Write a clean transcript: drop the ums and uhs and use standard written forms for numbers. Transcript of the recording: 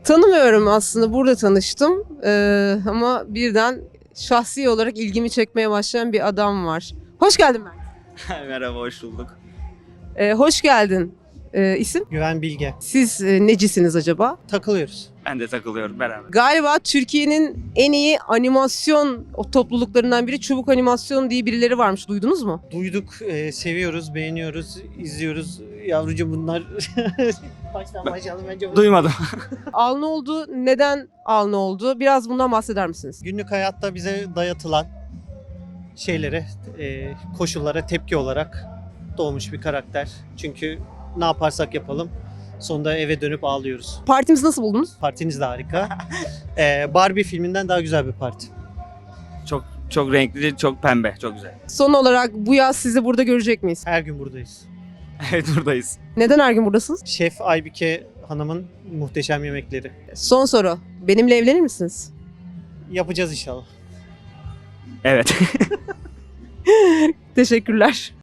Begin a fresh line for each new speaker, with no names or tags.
Tanımıyorum aslında, burada tanıştım. Ama birden şahsi olarak ilgimi çekmeye başlayan bir adam var. Hoş geldin Mert.
Merhaba, hoş bulduk.
Hoş geldin. İsim?
Güven Bilge.
Siz necisiniz acaba?
Takılıyoruz.
Ben de takılıyorum beraber.
Galiba Türkiye'nin en iyi animasyon topluluklarından biri Çubuk Animasyon diye birileri varmış. Duydunuz mu?
Duyduk, seviyoruz, beğeniyoruz, izliyoruz. Yavrucuğum bunlar baştan başlayalım bence.
Duymadım.
Alnı oldu. Neden alnı oldu? Biraz bundan bahseder misiniz?
Günlük hayatta bize dayatılan şeylere, koşullara tepki olarak doğmuş bir karakter. Çünkü ne yaparsak yapalım sonunda eve dönüp ağlıyoruz.
Partimizi nasıl buldunuz?
Partiniz de harika. Barbie filminden daha güzel bir parti.
Çok renkli, çok pembe, çok güzel.
Son olarak bu yaz sizi burada görecek miyiz?
Her gün buradayız.
Evet, buradayız.
Neden her gün buradasınız?
Şef Aybike Hanım'ın muhteşem yemekleri.
Son soru. Benimle evlenir misiniz?
Yapacağız inşallah.
Evet.
Teşekkürler.